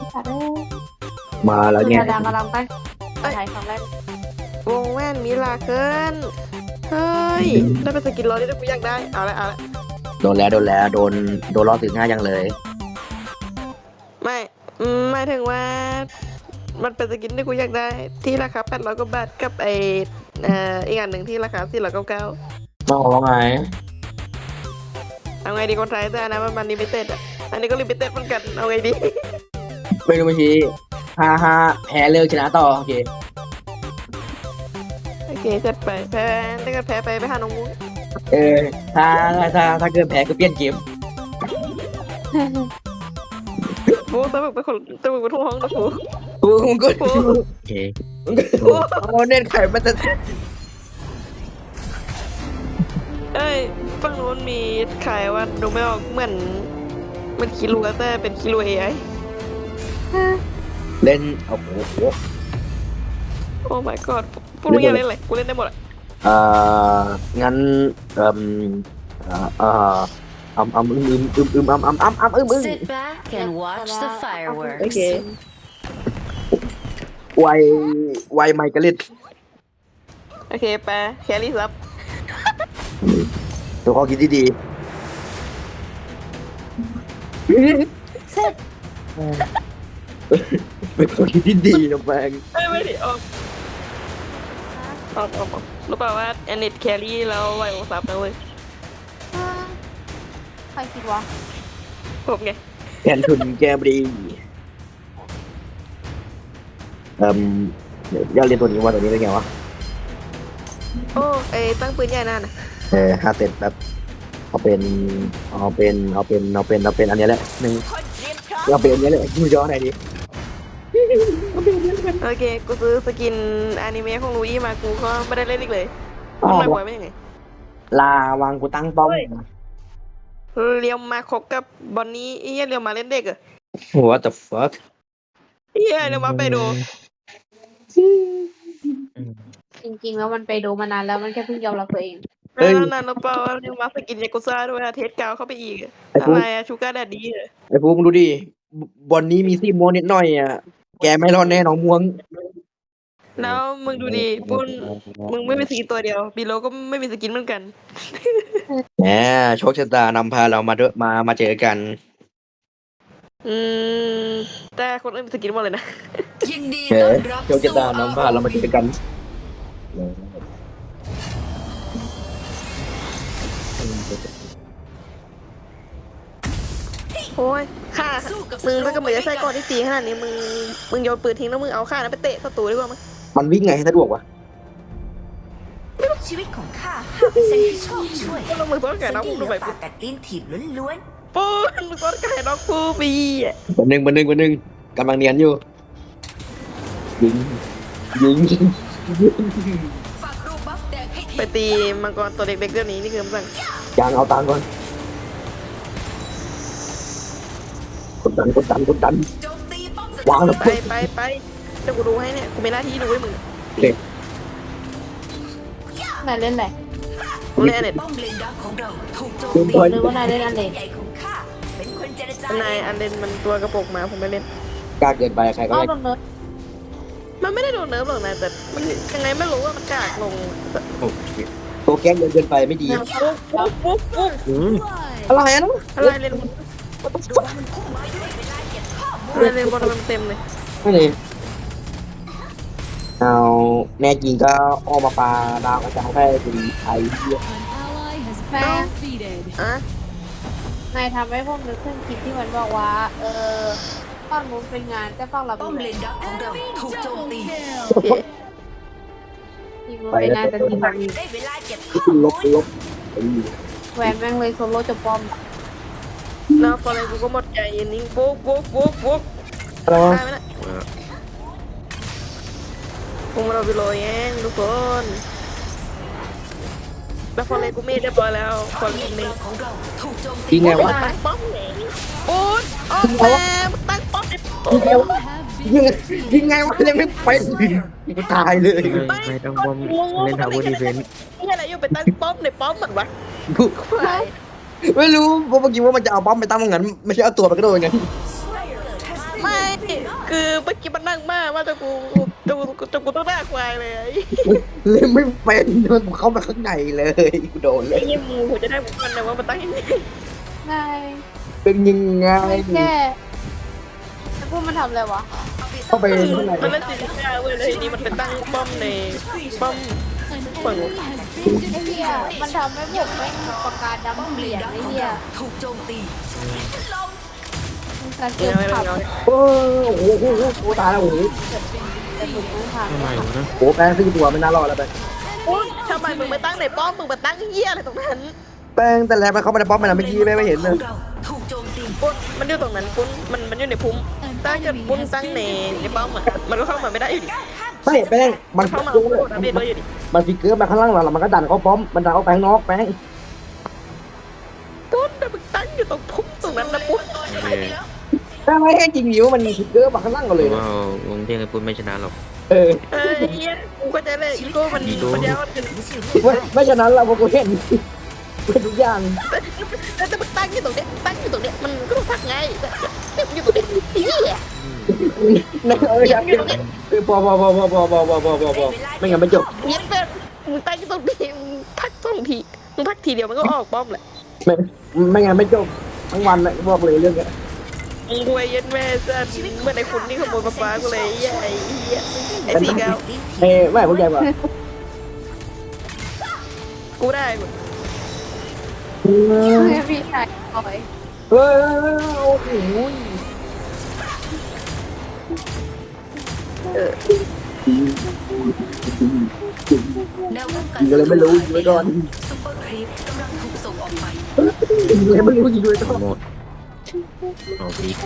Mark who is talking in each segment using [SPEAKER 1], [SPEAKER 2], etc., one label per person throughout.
[SPEAKER 1] ตัดเลย
[SPEAKER 2] มาแล้วเนี่ย
[SPEAKER 1] ดังกำลังไปถ่ายครั้งแรก
[SPEAKER 3] วงแว่นมิลาเคิลเฮ้ยได้เป็นสกินร้อยที่กูอยากได้เอาละ
[SPEAKER 2] โดนแล้วโดนล้อถึง5ยังเลย
[SPEAKER 3] ไม่หมายถึงว่ามันเป็นสกินที่กูอยากได้ที่ราคา800กว่าบาทกับอีกอันหนึ่งที่ราคา499
[SPEAKER 2] มองว่าไง
[SPEAKER 3] เอาไงดีคนไทยแต่อันนะมันลิมิเต็ดอ่ะอันนี้ก็ลิมิเต็ดเหมือนกันเอาไงดี
[SPEAKER 2] ไม่รู้เมื่อกี้5-5แพ้เลิกชนะต่อโอเค
[SPEAKER 3] โอเคจัดไปแพ้ถ้าเกิดแพ้ไปหาน้องมุ้ง
[SPEAKER 2] ถ้าเกิดแพ้ก็เปลี่ยนเกม
[SPEAKER 3] โอ้ตะบึกเป็นคนตะบึกเป็นทุ่งห้องนะกู
[SPEAKER 2] มึงก็โอเคโอ้เน้นไข่มันจะ
[SPEAKER 3] เอ้ยฝั่งนู้นมีขายว่าดูไม่ออกเหมือนมันคิรัวแต่เป็นคิรัว AI
[SPEAKER 2] เล่นโอ้โห
[SPEAKER 3] โอ้ my god พวกมึงอยากเล่นอะไรกูเล่นได้หมดอะ
[SPEAKER 2] งั้น
[SPEAKER 4] Sit back and watch the
[SPEAKER 3] โอ
[SPEAKER 4] fireworks.
[SPEAKER 3] เค
[SPEAKER 2] ไวไมค์กลิด
[SPEAKER 3] โอเคไปแครี่ซับ
[SPEAKER 2] ตัวข้อคิดดี
[SPEAKER 1] เสร็จ
[SPEAKER 2] เป็นข้อคิดที่ดีนะแบง
[SPEAKER 3] ไม่ดิออกรู้เปล่าว่าแอนนิตแครี่แล้วไวโอซับนะเว้ย
[SPEAKER 1] ใครคิดวะ
[SPEAKER 3] ผมไง
[SPEAKER 2] แทนทุนแกบรีอยากเรียนตัวนี้ว่าตัวนี้เป็นไงวะ
[SPEAKER 3] โอ้ตั้งปืนใหญ่นั่นน่ะ
[SPEAKER 2] 5 เซตแบบเอาเป็นอันนี้แหละหนึ่งเอาเป็นอันนี้แหละยูย้อนไหนดี
[SPEAKER 3] โอเคกูซื้อสกินอนิเมะของลูอี้มากูก็ไม่ได้เล่นอีกเลย
[SPEAKER 2] อ๋อ
[SPEAKER 3] ทำไมบ่อยไม่ยังไง
[SPEAKER 2] ลาวางกูตั้งป้อม
[SPEAKER 3] เรียวมาคบกับบอนนี่เฮียเรียวมาเล่นเด็กเหรอ
[SPEAKER 2] What the fuck
[SPEAKER 3] เฮียเรียวมาไปดู
[SPEAKER 1] จริงๆแล้วมันไปดูมานานแล้วมันแค่เพิ่งยอมรับตัวเอง
[SPEAKER 3] แล้วนานแล้วเปล่าเรียวมาสกินยากุซ่าด้วยอะเทสกาวเข้าไปอีกอะอะไรอะชูการ์แดดดี้อะ
[SPEAKER 2] ไอ้พวกมึงดูดิบอลนี้มีซี่ม่วงนิดหน่อยอ่ะแกไม่รอดแน่น้องม่วง
[SPEAKER 3] แล้วมึงดูดิปุ้นมึงไม่มีสกินตัวเดียวบีโลก็ไม่มีสกินเหมือนกัน
[SPEAKER 2] แหมโชคชะตานำพาเรามาด้วยมาเจอกัน
[SPEAKER 3] อืมแต่คนอื่นมีสกินหมดเลยนะ
[SPEAKER 4] ยินดี
[SPEAKER 2] เฮ้
[SPEAKER 4] ต้อนรับ
[SPEAKER 2] โชคชะตานำพาเรามาเจอกัน
[SPEAKER 3] โอ้ยฆ่ามึงถ้าเกิดมึงจะใส่ก่อนที่ตีขนาดนี้มึงโยนปืนทิ้งแล้วมึงเอาฆ่านั้นไปเตะศัตรูดีกว่ามั้ย
[SPEAKER 2] มันวิ่งไงให้สะดวกวะ
[SPEAKER 4] ชีวิตของข้า5%ที่ชอบช่วย
[SPEAKER 3] แล้วมึงต้องแก่น้อง
[SPEAKER 4] ที่
[SPEAKER 3] กู
[SPEAKER 4] เหลื
[SPEAKER 3] ดู
[SPEAKER 4] อ
[SPEAKER 3] ไป
[SPEAKER 4] ปากกัดตีนถีบล้วน
[SPEAKER 3] ปุ้นมึงต้องแก่น้องกูปีอ่ะ
[SPEAKER 2] วันหนึ่งกำลังเนียนอยู่ยิง
[SPEAKER 4] ๆฝากดูบัฟแดงให้ที
[SPEAKER 3] ไปตีมังกรตัวเด็กๆเรื่องนี้นี่คือมัน
[SPEAKER 2] ยางเอาตังค์ก่อนกดดัน
[SPEAKER 4] โจมตีป้อมศัตรู
[SPEAKER 2] วางแล้ว
[SPEAKER 3] ไปเดี๋ยวกูดูให้เนี่ยกูมีหน้าที่ดูให้มึง
[SPEAKER 1] นายเล่นอะไร
[SPEAKER 3] กูเล่นเน็ต
[SPEAKER 4] ป้อมเลนดักของเราถูกโจมตี
[SPEAKER 1] หรือว่านายเล่นอันเล็ก
[SPEAKER 4] ใหญ่ของข้าเป็นคนเจรจาน
[SPEAKER 3] ายอันเดนมันตัวกระโปรงมาผมไม่เล่น
[SPEAKER 2] กล้าเกินไปใครก็
[SPEAKER 1] อ้าว
[SPEAKER 2] ได้
[SPEAKER 1] โดนเนิร์ด
[SPEAKER 3] มันไม่ได้โดนเนิร์ฟหรอกนะแต่มันยังไงไม่รู้ว่ามันกากลง
[SPEAKER 2] ตัวแก๊งเกินไปไม่ดี
[SPEAKER 3] ปุ๊บ
[SPEAKER 2] อะไรนะ
[SPEAKER 3] อะไรเล่น
[SPEAKER 4] ดูมันพุ่งมาด้วยเวลาเก็บข้อมูล
[SPEAKER 3] อะไรเล่นบอลเต็มเลย
[SPEAKER 2] ไม่เลยเอาแม่จริงก็ออกมาปลาดาวกระจายให้เป็นไทยเหี้ย
[SPEAKER 1] แม่
[SPEAKER 3] อ่ะ
[SPEAKER 1] นายทำให้พวกนึกถึงคลิปที่มันบอกว่า ฝั่งนู้นเป็นงานแต่ฝั่งเรา
[SPEAKER 4] ป้
[SPEAKER 1] เป็
[SPEAKER 4] อน ม
[SPEAKER 1] งา
[SPEAKER 4] เล
[SPEAKER 1] น
[SPEAKER 4] นดักของเราถูกโจมตี
[SPEAKER 3] โอเค
[SPEAKER 1] จริงมันเป็นงานแต่จริงมันมี
[SPEAKER 4] ได้เวลาเก็บข้อ
[SPEAKER 2] ล
[SPEAKER 4] มู
[SPEAKER 2] บ
[SPEAKER 4] ล
[SPEAKER 1] แหวนแม่งเลยโซโล่จะป้อม
[SPEAKER 3] แล้วตอนนี้กูก็หมดใจนิ่งปุ๊บ
[SPEAKER 2] อะไรวะ
[SPEAKER 3] ได้ไหมนะพวกเราไปโรยเองทุกคนแล้วพอเลยกูมีเรียบร้อยแล้วพอเลยมี
[SPEAKER 4] ของเราถูกโจมตี
[SPEAKER 2] ยิงไงวะ
[SPEAKER 3] ตั้งป้อมไหนปุ๊บออกมาตั้งป้อมไอ้ปุ๊บ
[SPEAKER 2] ยิงไงวะยังไม่ไปกูตายเลย
[SPEAKER 5] ไม่ต้องป้อมเล่นทาวเวอร์ดีเฟนส์
[SPEAKER 3] นี่อะไรอยู่ไปตั้งป้อมในป้อมเหมือนวะ
[SPEAKER 2] กู
[SPEAKER 3] ควาย
[SPEAKER 2] ไม่รู้เพราะเมื่อกี้ว่ามันจะเอาป้อมไปตั้งตรงนั้นไม่ใช่เอาตัวไปกระโดดไง
[SPEAKER 3] ไม่คือเมื่อกี้มันนั่งมากว่าจะกูต้องหน้าควายเลย
[SPEAKER 2] เล่นไม่เป็นมันเข้ามาข้างในเลยกูโดนเล
[SPEAKER 3] ไอ้
[SPEAKER 2] ย
[SPEAKER 3] เงี้ยมูผมจะได้บุกมันนะว่ามันตั้งยังไง
[SPEAKER 1] ง่าย
[SPEAKER 2] เป็นยังไง
[SPEAKER 1] แค่แล้วพวกมันทำอะไรวะ
[SPEAKER 2] เข้าไปข้างใน
[SPEAKER 3] มันเล่นซีรีส์เว้ยเลยทีนี้มันเป็นตั้งป้อมในป้อมฝั่งนู้น
[SPEAKER 1] ไอ้เหี้ยมันทำให้ผมไม่มีปากกาดำเขียนไอ้เหี้ย
[SPEAKER 4] ถูกโจมตี
[SPEAKER 1] มันการ
[SPEAKER 3] เดี๋
[SPEAKER 1] เกี่
[SPEAKER 3] ย
[SPEAKER 1] ยว ว
[SPEAKER 3] ไม่
[SPEAKER 1] ขับ
[SPEAKER 3] เอา
[SPEAKER 2] โอ้โหโอ้ตายแล้วโอ้โห
[SPEAKER 1] แต่ผมไม่ทำ
[SPEAKER 5] ทำไมวะนะ
[SPEAKER 2] โอ้แป้ง4 ตัวไม่น่ารอดแล้วแป้ง
[SPEAKER 3] ทำไมมึงไม่ตั้งในป้อมมึงมาตั้งเหี้ยอะไรตรงนั้น
[SPEAKER 2] แป้งแต่แล้วมันเข้ามาในป้อมมันเมื่อกี้แม่ไม่เห็นเลย
[SPEAKER 4] เราถูกโจมตี
[SPEAKER 3] ปุ้นมันอยู่ตรงนั้นปุ้นมันอยู่ในพุ่มตั้งกับปุ้นตั้งในป้อมอ่ะมันก็เข้ามาไม่ได้อยู่ดิ
[SPEAKER 2] ไม่แป้งมัน
[SPEAKER 3] เข้ามา
[SPEAKER 2] จุ้ง
[SPEAKER 3] โดนอัปเดตเลยอยู่ดิ
[SPEAKER 2] มันฟิกเกอร์มาข้างล่างเราแล้วมันก็ดันเข้าป้อมมันดันเข้าไปข้างนอกแป้ง
[SPEAKER 3] ปุ้นมึงตั้งอยู่ตรงพุ่มตรงนั้นนะปุ้น
[SPEAKER 5] โอเค
[SPEAKER 2] แป้งไม่ให้จริงอยู่มันฟิกเกอร์มาข้างล่างเราเลย
[SPEAKER 5] ว่าวงเที่ยงไอ้ปุ้นไม่ชนะหรอก
[SPEAKER 2] เออ
[SPEAKER 3] เอ้ยเหี้ยกูก็จะเลยอีโก้มันมันยาวมัน
[SPEAKER 2] ไม่ฉะนั้นเราพวกกูเห็นเป็นทุกอย่าง
[SPEAKER 3] แต่มึงตั้งอยู่ตรงเนี้ยมันก็ต้องพักไงแต่มึงอยู่ตรงเนี้ยเหี้ย
[SPEAKER 2] นะครับพอไม่งั้นไม่จบ
[SPEAKER 3] เย็นแบบมึงตั้งอยู่ตรงนี้มึงพัก2 ทีมึงพักทีเดียวมันก็ออกป้อมแหละ
[SPEAKER 2] ไม่งั้นไม่จบทั้งวันเลยบอกเลยเรื่องนี้
[SPEAKER 3] มึงรวยเย็นแม่ซะเมื่อไหร่คุณนี่ขโมยฟ้ากูเลยไอ้เหี้ยไอ้สีเกา
[SPEAKER 2] ไม่เข้าใจว่า
[SPEAKER 3] กูได้หมด
[SPEAKER 1] พี่ชายปล่อย
[SPEAKER 2] เฮ้ยโอ้โห
[SPEAKER 4] แนวป้องกัน
[SPEAKER 2] ยิงเลยไม่รู้ยิงไว้ก่อน
[SPEAKER 4] ซุปเปอร์ครีปกำลังถูกส่งออกไป
[SPEAKER 2] ยิงเลยไม่รู้ยิงไว้ก่อน
[SPEAKER 5] หมดเอาพีก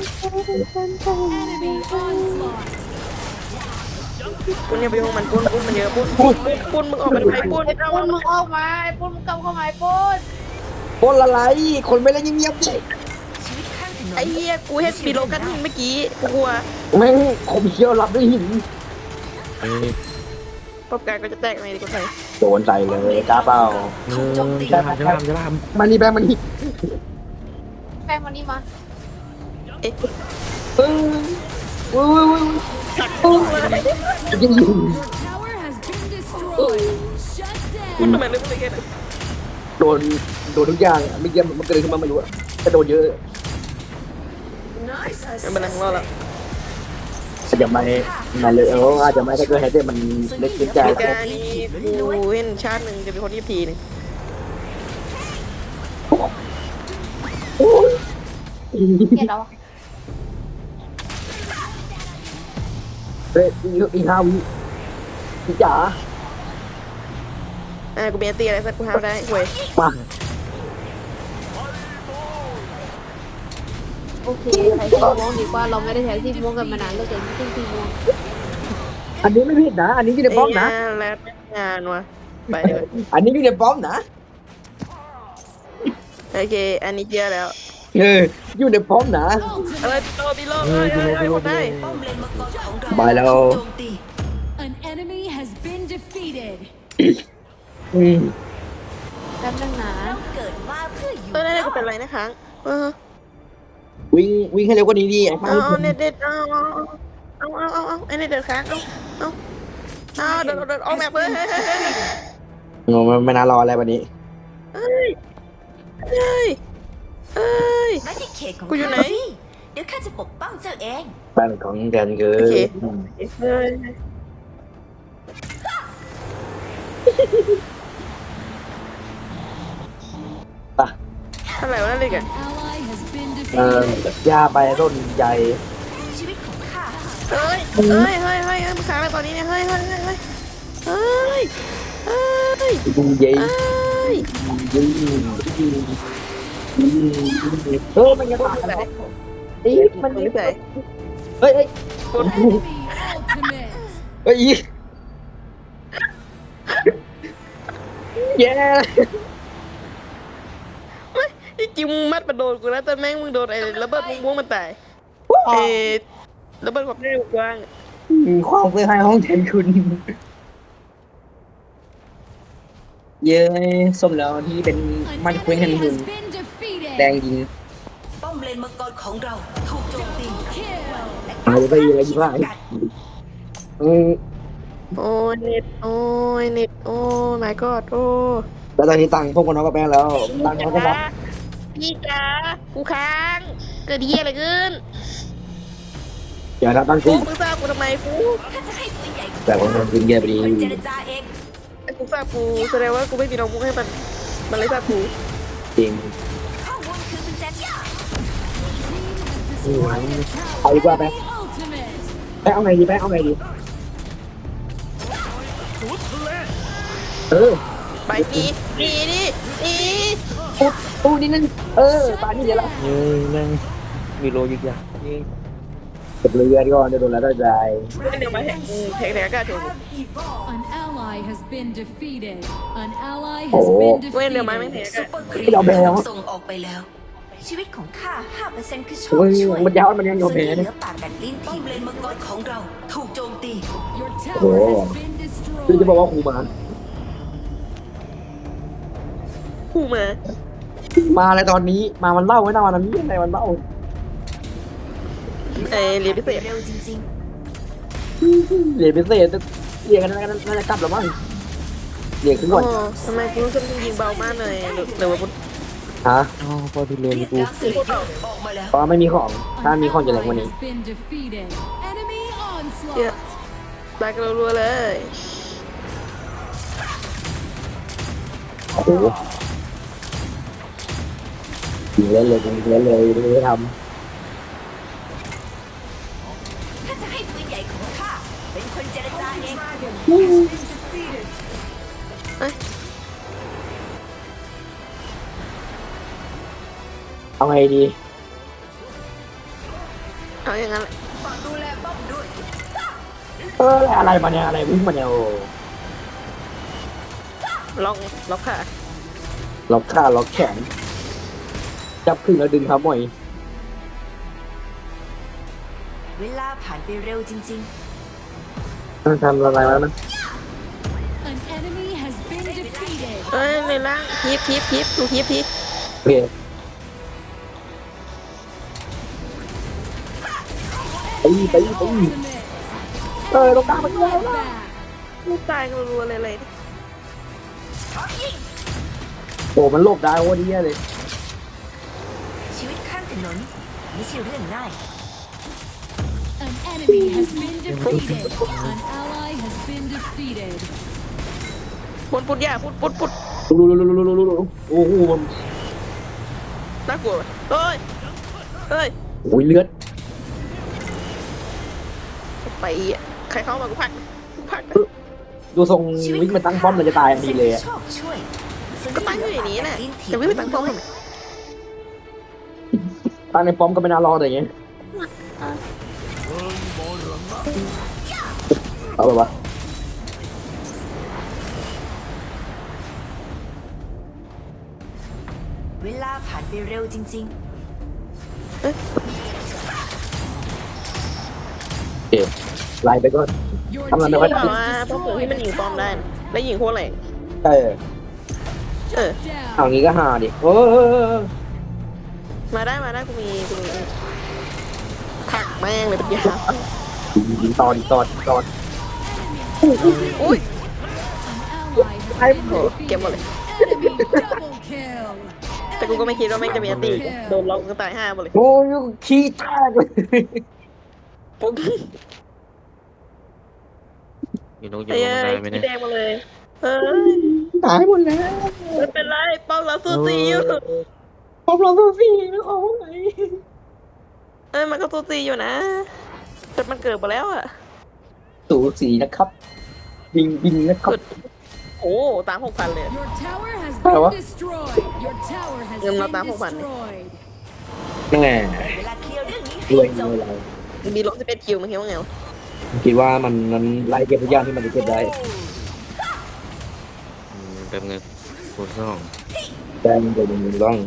[SPEAKER 3] ปุ้นอย่าไปยุ่งมันปุ้นมันเยอะปุ้นมึงออกมาทำไมปุ้น
[SPEAKER 1] ไอ้ปุ้นมึงออกมาไอ้ปุ้นมึงกลับเข้ามาไอ้ปุ้น
[SPEAKER 2] คนละไรคนไม่เล่นเงียบๆ
[SPEAKER 4] ชีวิตข้างถนน
[SPEAKER 3] ไอ้เหี้ยกูเห็นปีโลกันหินเมื่อกี้กูกลัว
[SPEAKER 2] แม่งคมเขี้ยวรับด้วยหิน
[SPEAKER 5] เฮ้ย
[SPEAKER 3] ประการก็จะแตกไหมดีกว่าไทย
[SPEAKER 2] โดนใส่เลยกล้าเปล่า
[SPEAKER 5] จะลาม
[SPEAKER 2] มานี่แบงมานี่
[SPEAKER 1] แป้งมานี่มา
[SPEAKER 3] เอ๊ะ
[SPEAKER 2] เฮ้ยเฮ้ย
[SPEAKER 3] สักปุ้นเลย
[SPEAKER 2] ยิงอยู่
[SPEAKER 3] ปุ้นทำไมเรื่องอะไรกันอะ
[SPEAKER 2] โดนทุกอย่างไม่เกี่ยมันเกิดขึ้นมาไม่รู้แต่โดนเยอะ
[SPEAKER 3] ไม่เป็นไรของเราละ
[SPEAKER 2] อาจจะไม่มาเลยอาจจะไม่ถ้าเกิดแฮตเตอร์มันเล็กขึ้นใจ
[SPEAKER 3] มีการนี้กูเห็นชาติหนึ่งจะเป็นคนที่ทีหนึ่ง
[SPEAKER 1] เกลียดเรา
[SPEAKER 2] เฮ้ยอีก5 วิพี่จ๋า
[SPEAKER 3] กูมีอันตีอะไรสักกูห้าวได้เว้ย
[SPEAKER 2] มา
[SPEAKER 1] โอเคใช้สีม่วงดีกว่าเราไม่ได้ใช้สีม่วงกันมานานเราจะไม่ใช่สีม่วง
[SPEAKER 2] อันนี้ไม่ผิดนะ อันนี้อยู่ในป้อมนะ
[SPEAKER 3] แล้วงานวะไปเลย
[SPEAKER 2] อันนี้อยู่ในป้อมนะ
[SPEAKER 3] โอเคอันนี้เจียแล้ว
[SPEAKER 2] อยู่ในป้อมนะ
[SPEAKER 3] ตีโลหมดได้
[SPEAKER 4] ป้อมเลนมังกรของเรา
[SPEAKER 2] บายแล้ว
[SPEAKER 4] ถูกโจมตี
[SPEAKER 6] An enemy has been defeated.
[SPEAKER 1] แป๊บนึงนะ
[SPEAKER 4] เกิดมาเพื่ออยู่
[SPEAKER 3] นั่นกูเป็นไรนะค้าง
[SPEAKER 2] วิ่งให้เร็วกว่านี้ดิไอ้ป้า
[SPEAKER 3] เอาเน็ตเด็ดเอาไอ้เน็ตเด็ดค้างเอาเดินออกแบบเลย
[SPEAKER 2] ไม่น่ารออะไรวันนี้
[SPEAKER 3] เอ้ย
[SPEAKER 4] ไม่ใช่เขตของ
[SPEAKER 3] กูอยู่ไหน
[SPEAKER 4] ข้าสิเดี๋ยวข้าจะปกป้องเจ้าเอง
[SPEAKER 2] บ้านของแกนคือ
[SPEAKER 3] โอเคเฮ้ย
[SPEAKER 2] ป่ะ
[SPEAKER 3] อะไรวะนั่นเลยกัน
[SPEAKER 6] Ally has been
[SPEAKER 2] ย่า
[SPEAKER 6] defeated.
[SPEAKER 2] ไปต้นใหญ่
[SPEAKER 4] ชีวิตของข้า
[SPEAKER 3] เฮ้ยมึงค้างอะไรตอนนี้เนี่ยเฮ้ยยิงยิง
[SPEAKER 2] ยิง
[SPEAKER 3] เอ้ย
[SPEAKER 2] มันยังตายแล้ว
[SPEAKER 3] มันไม่ใส่
[SPEAKER 2] เฮ้ย
[SPEAKER 6] Enemy ultimate.
[SPEAKER 2] เฮ้ยแย่
[SPEAKER 3] จริงมึงมัดมาโดนกูนะแต่แม่งมึงโดนไอ้ระเบิดม่วงมันตายไอ้ระเบิดความเร็วกว้าง
[SPEAKER 2] ความเคยให้ห้องแทนคุณ เย้สมแล้วที่เป็น
[SPEAKER 6] An
[SPEAKER 2] มันคุยกัน
[SPEAKER 6] enemy
[SPEAKER 2] หุ่น
[SPEAKER 6] has been defeated.
[SPEAKER 2] แดงยิง
[SPEAKER 4] ป้อมเลนมังกรของเราถูกโจมตี
[SPEAKER 6] Kill.
[SPEAKER 2] จะไปอะไรยี่ห้าอืม
[SPEAKER 3] โอ้ยเน็ตโอ้ยเน็ตโอ้ my god โอ้
[SPEAKER 2] แล้วตอนนี้ตังค์พวกคนน้องกับแม่แล้วตังค์เขาก็บอก
[SPEAKER 3] พี่จ๋ากูค้างเกิดเหี้ยอะไรขึ้น
[SPEAKER 2] อย่าทำตังค์
[SPEAKER 3] กู
[SPEAKER 2] กู
[SPEAKER 3] มึงทราบกูทำไมกู
[SPEAKER 4] ถ้าจะให้ปืนใหญ่
[SPEAKER 2] แต่ผมมันกินเยอะไปดี
[SPEAKER 4] คนเจรจาเอง
[SPEAKER 3] กูทราบกูแสดงว่ากูไม่มีน้องมุกให้มันเลยทราบกู
[SPEAKER 2] จริง
[SPEAKER 4] ข้อมูลคือกุญแจที่
[SPEAKER 2] เอาดีกว่าไป
[SPEAKER 6] Ultimate.
[SPEAKER 2] ไปเอาไงดีไปเอาไงดีเออ
[SPEAKER 3] ไปหนีหนีดิหนี
[SPEAKER 2] ปุ๊บปุ๊บนิดนึงปานี่เดี๋ยวละ
[SPEAKER 5] เฮ้ยแม่งมีโลยึกยักเฮ้ย
[SPEAKER 2] เก็บเรือดีก่อนเดี๋ยวโดนแล้วได้ใจ
[SPEAKER 3] เดี๋ยวมาแหกแหกกล้าถูก
[SPEAKER 6] An ally has been defeated. An ally
[SPEAKER 2] Oh.
[SPEAKER 6] has been
[SPEAKER 3] เว้นเดี๋ยวมาไม่แห
[SPEAKER 6] defeated.
[SPEAKER 3] ก
[SPEAKER 4] ซุป
[SPEAKER 3] อะ
[SPEAKER 4] เปอร์ครี
[SPEAKER 2] เราแบว
[SPEAKER 4] ส่งออกไปแล้ว ชีวิตของข้า 5% คือโชค
[SPEAKER 2] โอ้ย
[SPEAKER 4] ช่วย
[SPEAKER 2] มันยาวมันยังโยนแพ้
[SPEAKER 4] เห
[SPEAKER 2] เนี่
[SPEAKER 4] ลื
[SPEAKER 2] ย
[SPEAKER 4] อปากกัดลิ้นป้อมเลนมังกรของเราถูกโจมตี
[SPEAKER 6] Your
[SPEAKER 2] Oh.
[SPEAKER 6] tower has been
[SPEAKER 2] คือจะบอก
[SPEAKER 6] destroyed.
[SPEAKER 2] ว่าครูมา
[SPEAKER 3] คู่มา
[SPEAKER 2] มาอะไรตอนนี้มามันเล่าไว้นะวันนี้อะไรมันเล่า
[SPEAKER 3] เรียนพิเศษ
[SPEAKER 4] เร็วจริง
[SPEAKER 2] เรียนพิเศษเรียนกันน่าจะกลับแล้วมั้งเรียนขึ้นก่อน
[SPEAKER 3] โอ้ทำไมกูรู้สึกยิงเบามากเลยหรือว่ากู
[SPEAKER 2] ฮะ
[SPEAKER 5] อ๋อพอดู
[SPEAKER 4] ๆ
[SPEAKER 5] เรียน
[SPEAKER 4] เรียก
[SPEAKER 5] กู
[SPEAKER 4] ดาร์คซีเดอร์ออกมาแล้ว
[SPEAKER 2] เพราะไม่มีของถ้า
[SPEAKER 6] An
[SPEAKER 2] มีของจะแรง
[SPEAKER 6] ally
[SPEAKER 2] กว่านี้
[SPEAKER 6] has been defeated. Enemy
[SPEAKER 3] เยอะ
[SPEAKER 6] onslaught.
[SPEAKER 3] ตายกันรัวๆเลย
[SPEAKER 2] โอ้โหยิงเล่นเลยยิงเล่นเลยไม่ท
[SPEAKER 4] ถ้าจะให้ปืนใหญ่ของข้า เป็นคนเจรจาเอง
[SPEAKER 2] ำเอาไงดี
[SPEAKER 3] เอาอย่างนั้นแหละ
[SPEAKER 4] ฝากดูแลป้อมด้วย
[SPEAKER 2] อะไรมาเนี่ยอะไรวิ่งมาเนี่ยโอ้
[SPEAKER 3] ล็อกค่ะ
[SPEAKER 2] ล็อกขาล็อกแขนจับขึ้นแล้วดึงครับหมอย
[SPEAKER 4] เวลาผ่านไปเร็วจริง
[SPEAKER 2] ทำอะไรมาแล้วนะ
[SPEAKER 6] An enemy has been defeated.
[SPEAKER 3] เอ้ยในล่างทิปดูทิป
[SPEAKER 2] โอเคไป
[SPEAKER 6] Ultimate.
[SPEAKER 2] ตรงกลางมันด้วย
[SPEAKER 6] Back.
[SPEAKER 3] ตายกันรัวๆเลย
[SPEAKER 2] โอ้มันหลบได้โอ้ดีเลย
[SPEAKER 4] ๆ ชีวิตข้างถนนไม่ใช่เรื่องง่าย
[SPEAKER 6] An enemy has been defeated. An ally has been defeated.
[SPEAKER 3] ปุดย่าปุด
[SPEAKER 2] รู้โอ้โหมัน
[SPEAKER 3] น่ากลัวเฮ้ย
[SPEAKER 2] โอ้ยเลือด
[SPEAKER 3] ไปอ่ะใครเข้ามากูพัก
[SPEAKER 2] ดูทรงวิ่งมาตั้งป้อมมันจะตายดีเลยอะ
[SPEAKER 4] โชคช่วย
[SPEAKER 3] ก็ตั้งอยู่อย่างนี้แหละจะไม่ไปตั้งป้อมทำไม
[SPEAKER 2] ตั้งในป้อมก็ไม่น่ารอดอย่างเงี้ยเอาแบบว่า
[SPEAKER 4] เวลาผ่านไปเร็วจริง
[SPEAKER 2] โอเคไล่ไปก่อน
[SPEAKER 6] Your
[SPEAKER 2] I'm not
[SPEAKER 6] team
[SPEAKER 2] gonna-
[SPEAKER 3] บอก
[SPEAKER 6] has
[SPEAKER 3] ว่าพวกผมที่มันยิงป้อมได้
[SPEAKER 6] destroyed.
[SPEAKER 3] แล้วยิงโคตรแรง
[SPEAKER 2] ใช่ เอา
[SPEAKER 6] Down.
[SPEAKER 2] งี้ก็หาดิ
[SPEAKER 3] มาได้กูมีผักแม่งเลยเป็นยา
[SPEAKER 2] ยิงตอน
[SPEAKER 3] อุ้ย
[SPEAKER 6] An ally has been
[SPEAKER 3] เก็บหมดเลย
[SPEAKER 6] defeated. Enemy double kill.
[SPEAKER 3] แต่กูก็ไม่คิดว่าแม่งจะมีอันตีโดนล็อกก็ตาย5หมดเลย
[SPEAKER 2] โอ้ยขี้แตกเลย
[SPEAKER 3] ปุ๊บ
[SPEAKER 5] อยู่นกอยู่
[SPEAKER 3] ไอ้
[SPEAKER 5] ลง
[SPEAKER 3] เอ้
[SPEAKER 5] ได้
[SPEAKER 3] ย
[SPEAKER 5] ไหม
[SPEAKER 3] ขี้
[SPEAKER 5] เนี่ย
[SPEAKER 3] แดงมาเลยเอ้ย
[SPEAKER 2] ตายหมดแล้ว
[SPEAKER 3] ไม่เป็นไรป้อมเราสู้ซีอยู่
[SPEAKER 2] ป้อมเราตัวสี่ไม่เอาไง
[SPEAKER 3] มันก็สู้ซีอยู่นะ แต่มันเกิดไปแล้วอ่ะ
[SPEAKER 2] สูสีนะครับยิงนะครับ
[SPEAKER 3] โอ้ตาม6,000เลย
[SPEAKER 6] Your tower has
[SPEAKER 2] Hello.
[SPEAKER 6] been destroyed. Your tower has
[SPEAKER 3] Em nó
[SPEAKER 6] been
[SPEAKER 3] tám không phải.
[SPEAKER 6] destroyed.
[SPEAKER 2] ยังไง
[SPEAKER 4] ๆ เวลาเคลียร์เรื่องนี้
[SPEAKER 2] รวย
[SPEAKER 4] ให้จ
[SPEAKER 2] เงิ
[SPEAKER 4] บ
[SPEAKER 2] นเรา
[SPEAKER 3] มีลบ11 คิวมันคิดว่าไงวะ
[SPEAKER 2] คิดว่ามันไล่เก็บทุกอย่างที่มันจะเก็บได้
[SPEAKER 5] เติมเงินคูณ2
[SPEAKER 2] แต่มันจะมึงต้อง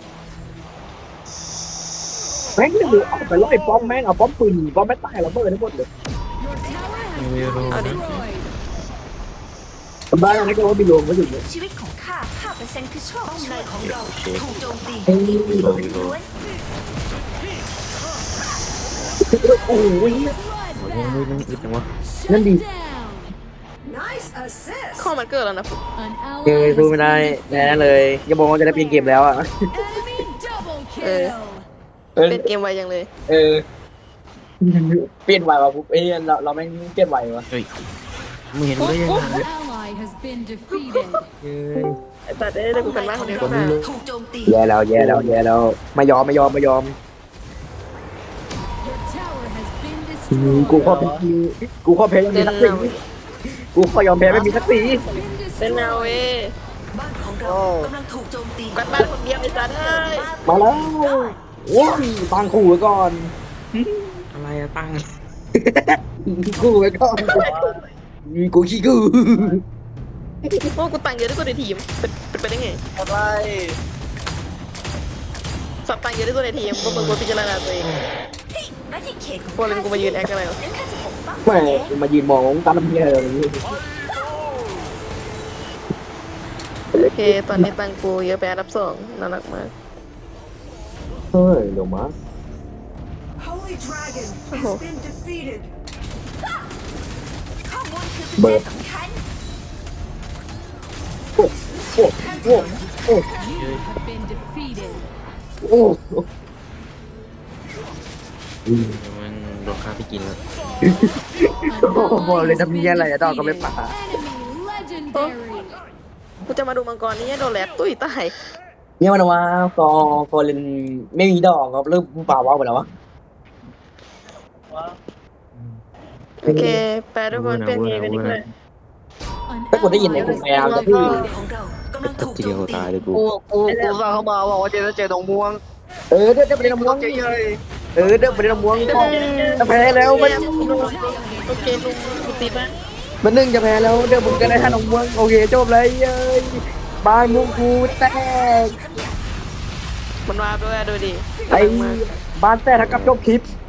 [SPEAKER 2] แม่งจะดูเอาไปล่อยป้อมแม่งเอาป้อมปืนป้อมไม่ตายเราเบิดทั้งหมดเลย
[SPEAKER 6] Your tower has
[SPEAKER 5] Em
[SPEAKER 6] been
[SPEAKER 5] yêu đâu.
[SPEAKER 6] destroyed.
[SPEAKER 2] ทำบ้านอะไรก็ว่าบิโลมก็อยู่เนี่ย
[SPEAKER 4] ชีวิตของข้า 5%คือโชคช่วยของเราถูกโจมตี
[SPEAKER 2] เฮ้ย
[SPEAKER 5] อยู่โลอยู่โล
[SPEAKER 4] ล้วน
[SPEAKER 2] โอ้โห
[SPEAKER 5] โอ้ยนั่งอึดจังวะ
[SPEAKER 2] นั่นดิ
[SPEAKER 6] Down.
[SPEAKER 4] Nice assist
[SPEAKER 3] ข้อมันเกิดแล้วนะ
[SPEAKER 6] An
[SPEAKER 2] เก
[SPEAKER 6] ally
[SPEAKER 2] ย
[SPEAKER 6] has
[SPEAKER 2] สู้ไม่ได้
[SPEAKER 6] been
[SPEAKER 2] แน่เลยอย่าบอกว่าจะได้เปลี่ยนเกมแล้วอ่ะ
[SPEAKER 6] Enemy double kill.
[SPEAKER 2] เออ
[SPEAKER 3] เป็นเกมไวยังเลย
[SPEAKER 2] เออเปลี่ยนไหวว่ะปุ๊บเอ้ยเราแม่งเปลี่ยนไหวว่ะ
[SPEAKER 5] เฮ้ยมึงเห็นกูได้ยังไง
[SPEAKER 6] An ally has been defeated.
[SPEAKER 5] เฮ้ย
[SPEAKER 3] ไอ้ตัดได้เลยกูเป็นบ้านคนเดียว
[SPEAKER 4] ข
[SPEAKER 3] ก็
[SPEAKER 4] อง
[SPEAKER 3] ได้
[SPEAKER 4] เราถูกโจมตี
[SPEAKER 2] แย่แล้วไม่ยอม
[SPEAKER 6] Your tower has been
[SPEAKER 2] กูขอ
[SPEAKER 6] destroyed.
[SPEAKER 2] กูขอแพ้ยังมีสักสีกูขอยอมแพ้ไม่มีสักสี
[SPEAKER 6] Been
[SPEAKER 3] เล่นเอา
[SPEAKER 6] destroyed.
[SPEAKER 3] เว้ย
[SPEAKER 4] บ้านของเรากำลังถูกโจมตี
[SPEAKER 3] กันบ้านคนเดียวไอ้สัตว์เอ้ย
[SPEAKER 2] มาแล้วโอ้ยตั้งคู่ไว้ก่อน
[SPEAKER 5] อะไรอะตั้ง
[SPEAKER 2] คู่ไว้ก่อนกูขี้กู
[SPEAKER 3] โอ้กูตังค์เยอะที่สุดในทีมเป็นไปได้ไง
[SPEAKER 2] อะไร
[SPEAKER 3] สับตังค์เยอะที่สุดในทีมพวกมึงควรพิจารณาตัวเอง
[SPEAKER 4] หน้าที่เขตของ
[SPEAKER 3] พวกมึงกูมายืนแอคกันอะไรวะ
[SPEAKER 4] ฉันแค่จะปกป้อง
[SPEAKER 2] แม่มายืนมองตาลำเพียอะไรอย่างนี้
[SPEAKER 3] โอเค ตอนนี้ตังค์กูเยอะไปอันดับสองน่ารักมาก
[SPEAKER 2] เฮ้ยเดี๋ยวมา
[SPEAKER 4] Holy Dragon has been defeated ข้อมูลคือปัจ
[SPEAKER 2] เบิ
[SPEAKER 4] จั
[SPEAKER 2] ร์
[SPEAKER 4] ย
[SPEAKER 2] ด
[SPEAKER 4] สำคัญ
[SPEAKER 2] โอ้โอ้โอ้โอ้
[SPEAKER 6] You have been defeated.
[SPEAKER 2] โอ้
[SPEAKER 5] มันโดนฆ่าไปกินแล้ว
[SPEAKER 6] An
[SPEAKER 2] บอกเลย
[SPEAKER 6] ally has
[SPEAKER 2] ทำเนี้ย
[SPEAKER 6] been
[SPEAKER 2] อะไรอะต้องก็ไม่
[SPEAKER 6] defeated.
[SPEAKER 2] ป่า
[SPEAKER 6] Enemy legendary.
[SPEAKER 3] กูจะมาดูมังกรนี่โดนแลกตุ้ยตาย
[SPEAKER 2] เนี่ยมันว่าฟอร์เรนไม่มีดอกครับเริ่มป่าว้าวไปแล้ววะ
[SPEAKER 3] โอเคแปลทุกคนเปลี่ยนเกมกันดีกว่า
[SPEAKER 6] An
[SPEAKER 2] ถ้ากูได้ยินใน
[SPEAKER 6] ally
[SPEAKER 2] กู
[SPEAKER 6] has
[SPEAKER 2] พยายาม
[SPEAKER 6] been
[SPEAKER 2] จะพูด
[SPEAKER 6] defeated.
[SPEAKER 4] ของเรากำลังถูก
[SPEAKER 5] ที
[SPEAKER 4] โจ
[SPEAKER 5] เดียว
[SPEAKER 4] มตี
[SPEAKER 5] ตายเลยกู
[SPEAKER 7] กูฟังเขามาบอกว่าเจอดงม่วง
[SPEAKER 2] เออเดี๋ยวไปเล่นน้ำม่วง
[SPEAKER 7] เจ๊ย
[SPEAKER 2] เออเดี๋ยวไปเล่นน้ำม่วงจะแพ้แล้วมัน
[SPEAKER 3] โอเคลุงกูติดนะ
[SPEAKER 2] มันนึ่งจะแพ้แล้วเดี๋ยวผมจะได้ท่าน้ำม่วงโอเคจบเลยเย้ยบายมุงกูแตก
[SPEAKER 3] มันมาด้วยดูดิ
[SPEAKER 2] ไอ้บ้านแต่ถ้ากับจบคลิป